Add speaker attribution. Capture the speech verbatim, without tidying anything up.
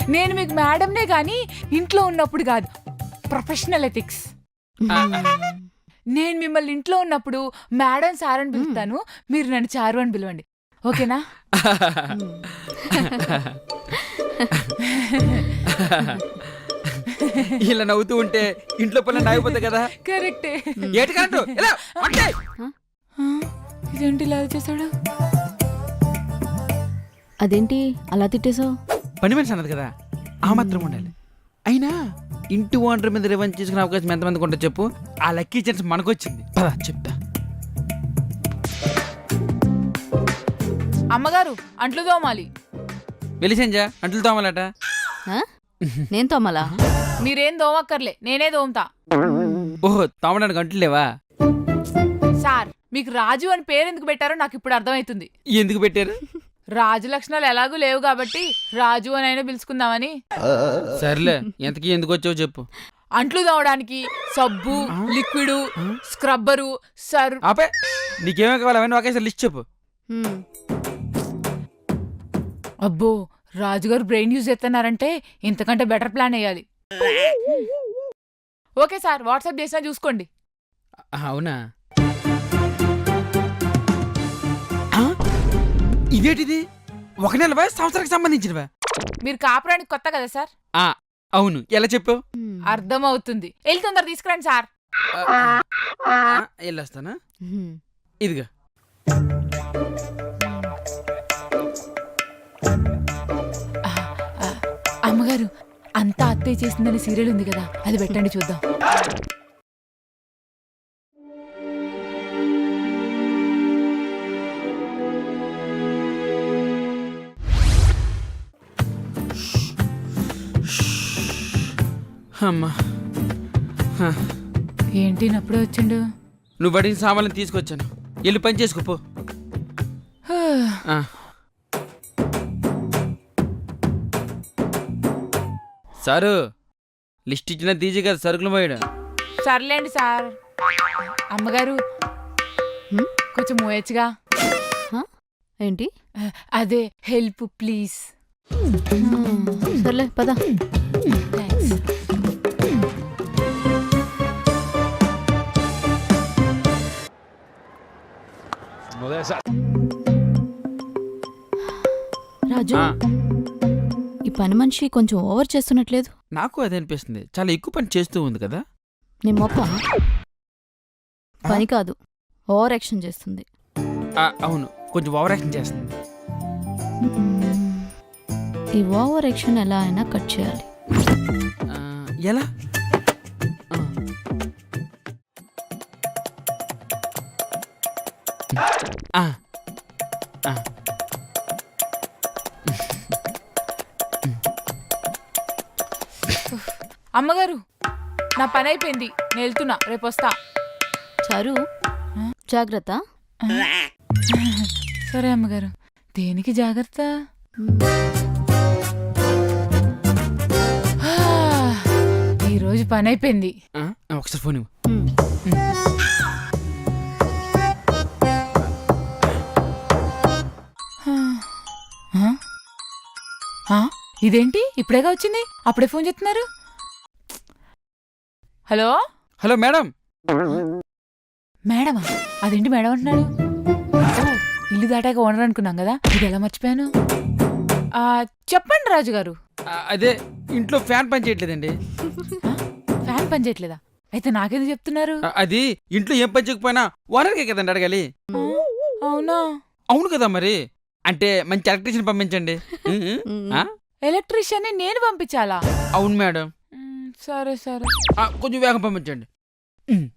Speaker 1: నేను మీకు మేడంనే గాని ఇంట్లో ఉన్నప్పుడు కాదు, ప్రొఫెషనల్ ఎథిక్స్. నేను మిమ్మల్ని ఇంట్లో ఉన్నప్పుడు మేడం సార్ అని పిలుస్తాను, మీరు నన్ను చారు అని పిలవండి, ఓకేనా?
Speaker 2: ఇలా నవ్వుతూ ఉంటే ఇంట్లో పనులు అయిపోతాయి కదా.
Speaker 1: కరెక్టే.
Speaker 2: ఏటి కరెక్ట్.
Speaker 1: ఇదేంటి ఇలా చేశాడు?
Speaker 3: అదేంటి అలా తిట్టేశావు?
Speaker 2: పని మనిషి అన్నది కదా, ఆ మాత్రం ఉండాలి. అయినా ఇంటి ఓనర్ మీద రివెంజ్ చేసుకునే అవకాశం ఎంతమందికి ఉంటుంది చెప్పు? ఆ లక్కీ ఛాన్స్ మనకు వచ్చింది. పద చెప్తా.
Speaker 1: అమ్మగారు అంట్లు తోమాలి.
Speaker 2: వెలిసేంజా అంట్లు తోమాలట.
Speaker 3: నేను తోమలా?
Speaker 1: మీరేం తోమక్కర్లే, నేనే తోముతా.
Speaker 2: ఓహో, తోమడానికి అంట్లు లేవా?
Speaker 1: సార్ మీకు రాజు అని పేరు ఎందుకు పెట్టారో నాకు ఇప్పుడు అర్థమవుతుంది.
Speaker 2: ఎందుకు పెట్టారు?
Speaker 1: రాజు లక్షణాలు ఎలాగూ లేవు కాబట్టి రాజు అని అయినా పిలుచుకుందామని.
Speaker 2: సర్లే, ఎంతకీ ఎందుకు వచ్చావు చెప్పు.
Speaker 1: అంట్లు తోమడానికి సబ్బు, లిక్విడ్, స్క్రబ్బరు, సర్.
Speaker 2: ఆపే, నీకేమేమి కావాలి అవన్నీ ఒకేసారి లిస్ట్ చెప్పు.
Speaker 1: అబ్బో, రాజుగారు బ్రెయిన్ యూజ్ చేస్తున్నారంటే ఇంతకంటే బెటర్ ప్లాన్ వేయాలి. ఓకే సార్, వాట్సాప్ చేసినా చూసుకోండి.
Speaker 2: అవునా? ఇదేటిది? ఒక నెలవా సంవత్సరానికి సంబంధించినవా?
Speaker 1: మీరు కాపురానికి కొత్త కదా సార్?
Speaker 2: అవును. ఎలా చెప్పావు?
Speaker 1: అర్థం అవుతుంది. వెళ్ళి తొందర తీసుకురండి సార్.
Speaker 2: వెళ్ళొస్తానా? ఇదిగా.
Speaker 1: అమ్మగారు, అంతా అత్తయ్య చేసిందని సీరియల్ ఉంది కదా, అది పెట్టండి చూద్దాం.
Speaker 2: అమ్మా,
Speaker 1: ఏంటి నప్పుడే వచ్చిండు?
Speaker 2: నువ్వు అడిగిన సామాన్లు తీసుకొచ్చాను, వెళ్ళి పని చేసుకోపో. సారు, లిస్ట్ ఇచ్చిన తీసి కదా సరుకులు పోయాడు.
Speaker 1: సర్లేండి సార్. అమ్మగారు కొంచెం మోయచ్చుగా.
Speaker 3: ఏంటి?
Speaker 1: అదే హెల్ప్ ప్లీజ్.
Speaker 3: సర్లే పద. రాజు, ఈ పని మనిషి కొంచెం ఓవర్ చేస్తున్నట్లేదు?
Speaker 2: నాకు అదే అనిపిస్తుంది, చాలా ఎక్కువ పని చేస్తూ ఉంది కదా.
Speaker 3: నీ మొప్ప పని కాదు, ఓవర్ యాక్షన్ చేస్తుంది.
Speaker 2: అవును, కొంచెం ఓవర్ యాక్షన్ చేస్తుంది.
Speaker 3: ఈ ఓవర్ యాక్షన్ ఎలా అయినా కట్ చేయాలి.
Speaker 2: ఎలా?
Speaker 1: అమ్మగారు, నా పని అయిపోయింది, నేను వెళ్తున్నా, రేపు వస్తా.
Speaker 3: చారు, జాగ్రత్త.
Speaker 1: సరే అమ్మగారు. దేనికి జాగ్రత్త? ఈరోజు పని అయిపోయింది.
Speaker 2: ఒకసారి ఫోన్.
Speaker 1: ఇదేంటి ఇప్పుడేగా వచ్చింది, అప్పుడే ఫోన్ చేస్తున్నారు? Hello
Speaker 2: hello madam.
Speaker 1: మేడమా? అదేంటి మేడం అంటున్నాడు? ఇల్లు దాటాక ఓనర్ అనుకున్నాం కదా, ఇది ఎలా మర్చిపోయాను? చెప్పండి రాజుగారు.
Speaker 2: అదే ఇంట్లో ఫ్యాన్ పని చేయట్లేదండి.
Speaker 1: ఫ్యాన్ పని చేయట్లేదా? అయితే నాకేది చెప్తున్నారు?
Speaker 2: అది ఇంట్లో ఏం పని చేయకపోయినా ఓనర్కే కదండి అడగాలి.
Speaker 1: అవునా?
Speaker 2: అవును కదా మరి. అంటే మంచి ఎలక్ట్రీషియన్ పంపించండి.
Speaker 1: ఎలక్ట్రీషియన్ నేను పంపించాలా?
Speaker 2: అవును మేడం.
Speaker 1: సరే సరే,
Speaker 2: కొంచెం వేగం పంపించండి.